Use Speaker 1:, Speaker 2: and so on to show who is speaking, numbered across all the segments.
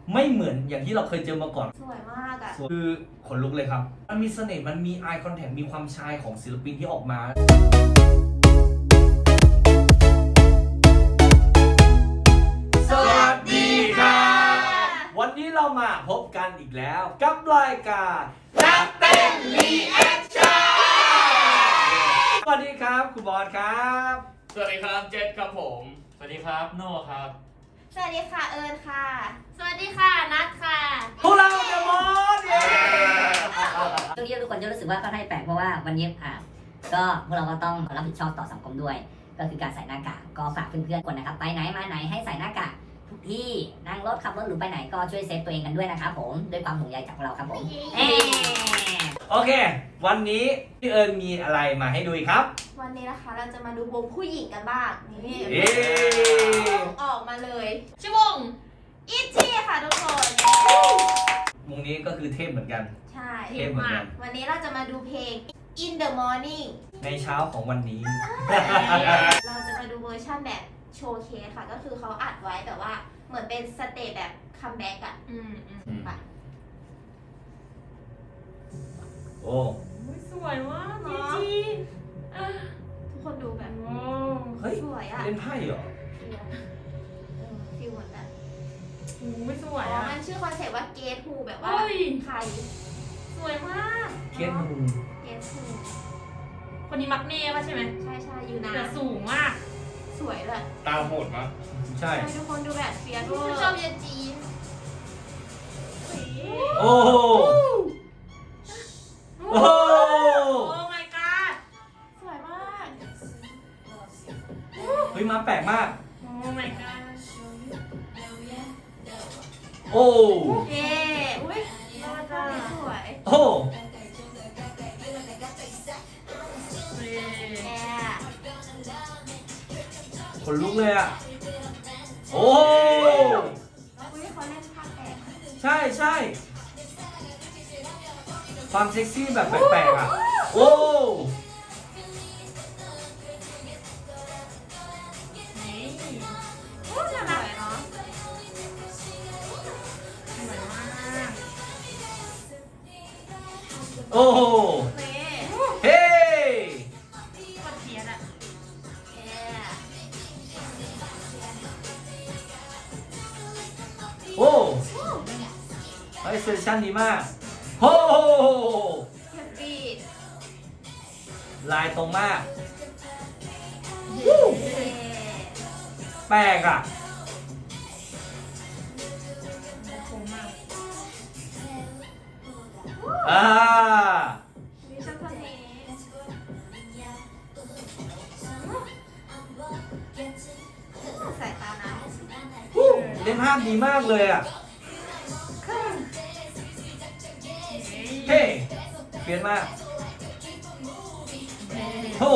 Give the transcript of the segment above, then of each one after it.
Speaker 1: ไม่เหมือนอย่างที่เราเคยเจอมาก่อน
Speaker 2: สวยมากอ่ะ
Speaker 1: คือขนลุกเลยครับมันมีเสน่ห์มันมี eye contact มีความชายของศิลปินที่ออกมาสวัสดีครับวันนี้เรามาพบกันอีกแล้วกับรายการนักเต้นรีแอคชั่นสวัสดีครับคุณบอลครับ
Speaker 3: สวัสดีครับเจษครับผมสวัสดีครับโน่ครับ
Speaker 2: สวัสดีค่ะเอิญค่ะสวัสดีค่ะนัทค่ะ
Speaker 1: พวกเราเดอะมอสเย้
Speaker 4: ช่วงนี้ทุกคนจะรู้สึกว่าค่อนข้างแปลกเพราะว่าวันนี้ก็พวกเราก็ต้องรับผิดชอบต่อสังคมด้วยก็คือการใส่หน้ากากก็ฝากเพื่อนๆคนนะครับไปไหนมาไหนให้ใส่หน้ากากทุกที่นั่งรถขับรถหรือไปไหนก็ช่วยเซฟตัวเองกันด้วยนะครับผมด้วยความห่วงใยจากเราครับผม
Speaker 1: โอเควันนี้พี่เอิญมีอะไรมาให้ดูอีกครับ
Speaker 2: วันนี้นะคะเราจะมาดูวงผู้หญิงกันบ้างนี่ออกมาเลยชื่อวงอิชชี่ค่ะทุกคน
Speaker 1: วงนี้ก็คือเทพเหมือนกัน
Speaker 2: ใช่
Speaker 1: เทพเหมือนกัน
Speaker 2: วันนี้เราจะมาดูเพลง In the Morning
Speaker 1: ในเช้าของวันนี้
Speaker 2: เราจะมาดูเวอร์ชันแบบโชว์เคสค่ะก็คือเขาอัดไว้แบบว่าเหมือนเป็นสเตจแบบคัมแบ็กอะค่ะ
Speaker 1: โอ้
Speaker 5: สวยมากจริง
Speaker 2: ทุกคนดูแบบ
Speaker 1: เฮ้ย
Speaker 2: สวยอะ
Speaker 1: เล่นไพ่เหรอ
Speaker 2: ฟิลเหมือนแบบ
Speaker 5: ไม่สวยอ่ะ
Speaker 2: มันชื่อคอนเซ็ปต์ว่าเกตฮูแบบว่าใคร
Speaker 5: สวยมาก
Speaker 1: เกตฮู
Speaker 5: คนนี้มักเน่ป่ะใช่ไหม
Speaker 2: ใช่อยู่นะ
Speaker 5: แต่สูงมาก
Speaker 2: สวยเลย
Speaker 3: ตาโหดมาก
Speaker 1: ใช่
Speaker 2: ทุกคนดูแบบเฟียสชอบเยจีน
Speaker 1: โอ้โอ้
Speaker 5: my god
Speaker 2: สวยมาก
Speaker 1: เฮ้ยมาแปลกมาก
Speaker 5: โอ้ my god
Speaker 1: โอ้
Speaker 2: เย้อุ้ยสวย
Speaker 1: โอ้คนลุกเลยอ่ะโอ้
Speaker 2: เขาเล่นภาคแปลก
Speaker 1: ใช่ใช่ความเซ็กซี่แบบแปลกๆอ่ะโอ้
Speaker 2: น่ารักเนาะ
Speaker 1: โอ้เฮ้
Speaker 5: คนเทียนอ่ะ
Speaker 1: โอ้เฮ้ยเซสชั่นดีมากโอ้
Speaker 2: แฮปปี้
Speaker 1: ลายตรงมากแปลกอ่ะ
Speaker 2: มีช่างคนนี้สายตานะ
Speaker 1: เล่นภาพดีมากเลยอ่ะเฮ้เปลี่ยนมากโอ้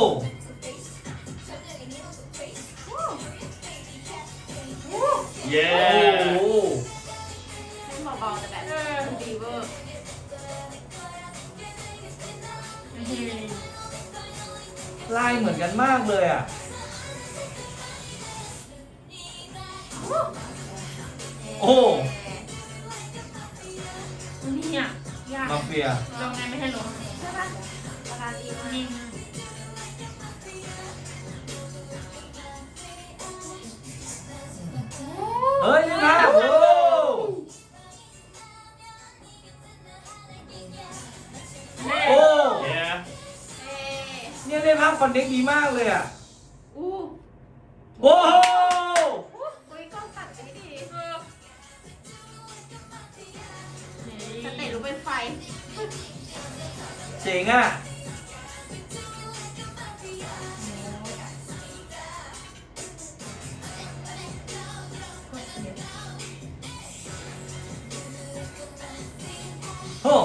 Speaker 3: เย้
Speaker 1: โอ้
Speaker 2: เล่นเบาๆแต่แบบดีเวอร์
Speaker 1: ลายเหมือนกันมากเลยอ่ะโอ้
Speaker 5: นี่อ่ะยาก
Speaker 1: มาเฟีย
Speaker 5: ลองไงไม่ให้ล้ม
Speaker 2: ใช่ปะราคาดีมาก
Speaker 1: เฮ้ยนี่นะโอ้โอ้เนี่ยได้ภาพคอนเน็กดีมากเลยอ่ะโอ้โห
Speaker 2: อุ้ยกล้องตัดไม่ดีสเตจรู้เป็นไฟ
Speaker 1: เจ๋งอ่ะโอ้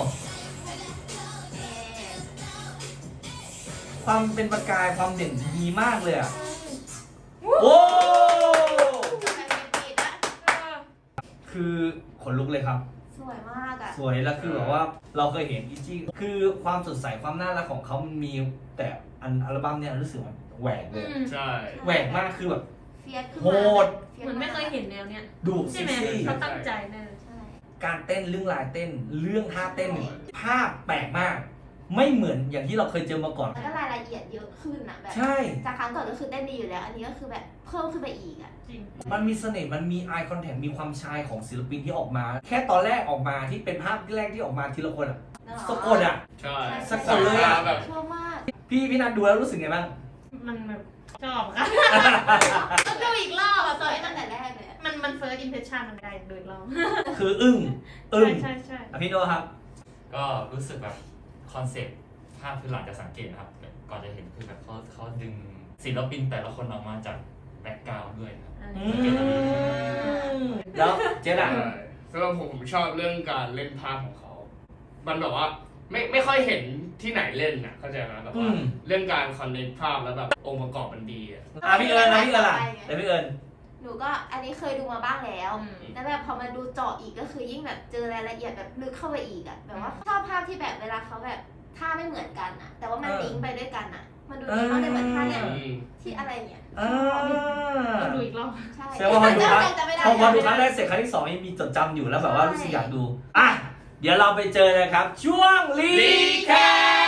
Speaker 1: ความเป็นประกายความเด่นดีมากเลยอ่ะโอ้คือขนลุกเลยครับ
Speaker 2: สวยมากอ่ะ
Speaker 1: สวยแล้วคือแบบว่าเราเคยเห็นอิจี้คือความสดใสความน่ารักของเขามันมีแต่อัลบั้มเนี่ยรู้สึกมันแหวกเลย
Speaker 3: ใช่
Speaker 1: แหวกมากคือแบบ
Speaker 2: เฟียสขึ้น
Speaker 1: โหด
Speaker 5: เหมือนไม่เคยเห็นแนวเนี้ย
Speaker 1: ดุ
Speaker 5: ใช่ไหมเขาตั้งใจแน่
Speaker 2: ใช่
Speaker 1: การเต้นเรื่องลายเต้นเรื่องท่าเต้นภาพแปลกมาก ไม่เหมือนอย่างที่เราเคยเจอมาก่อน
Speaker 2: แล้วก็รายละเอียดเยอะขึ้นอะแบบ
Speaker 1: ใช่
Speaker 2: จากครั้งก่อนก็คือเต้นดีอยู่แล้ว อันนี้ก็คือแบบเพิ่มขึ้นไปอีกอะ
Speaker 5: จริง
Speaker 1: มันมีเสน่ห์มันมี eye contact มีความชายของศิลปินที่ออกมา แค่ตอนแรกออกมาที่เป็นภาพแรกที่ออกมาทีละคนอะสะกดอะ
Speaker 3: ใช่
Speaker 1: สะกดเลยอะ
Speaker 3: แบบ
Speaker 2: ชอบมาก
Speaker 1: พี่นัทดูแล้วรู้สึกไงบ้าง
Speaker 5: มันแบบชอบค่ะต้องดูอีกรอบอะ
Speaker 2: ส
Speaker 5: ตัว
Speaker 2: วย
Speaker 5: ไอ้
Speaker 2: ตั้
Speaker 5: นั่
Speaker 2: ง
Speaker 5: น
Speaker 2: แต่แรกเลยอะ
Speaker 5: มัน first impression มันได้ดูอีกรอบ
Speaker 1: คืออึ้ง
Speaker 5: ใช่
Speaker 1: อ่ะพี่โนครับ
Speaker 3: ก็รู้สึกแบบคอนเซ็ปต์ภาพคือหลังจากสังเกตนะครับแบบก่อนจะเห็นคือแบบเขาดึงศิลปินแต่ละคนออกมาจากแบ็คกราวด์ด้วยครับ
Speaker 1: แล้วเจ๊ดอะ
Speaker 6: สำหรับผมชอบเรื่องการเล่นภาพของเขา มันแบบว่าไม่ค่อยเห็นที่ไหนเล่นน่ะเข้าใจไหมแบบว่าเรื่องการคอนเนคภาพแล้วแบบองค์ประกอบมันดีอ่ะ
Speaker 1: พี่เอิญล่ะแต่พี่เอิญ
Speaker 2: หนูก็อันนี้เคยดูมาบ้างแล้ว แล้วแบบพอมาดูเจาะอีกก็คือยิ่งแบบเจอรายละเอียดแบบลึกเข้าไปอีกอะแบบว่าชอบภาพที่แบบเวลาเขาแบบท่าไม่เหมือนกันอะแต่ว่ามันลิงก์ไปด้วยกันอะมันดูดีมากเลยเหมือนท่าเนี่ยที่อะไรเนี่ย
Speaker 5: ต้องดูอีกรอบ
Speaker 2: ใช่
Speaker 1: แสดงว่าพอดูครั้ง
Speaker 2: จำไม่ได้
Speaker 1: พอดูครั้งแรกเสร็จครั้งที่สองยังมีจดจำอยู่แล้วแบบว่ารู้สึกอยากดูอ่ะเดี๋ยวเราไปเจอเลยครับ ช่วงรีแคป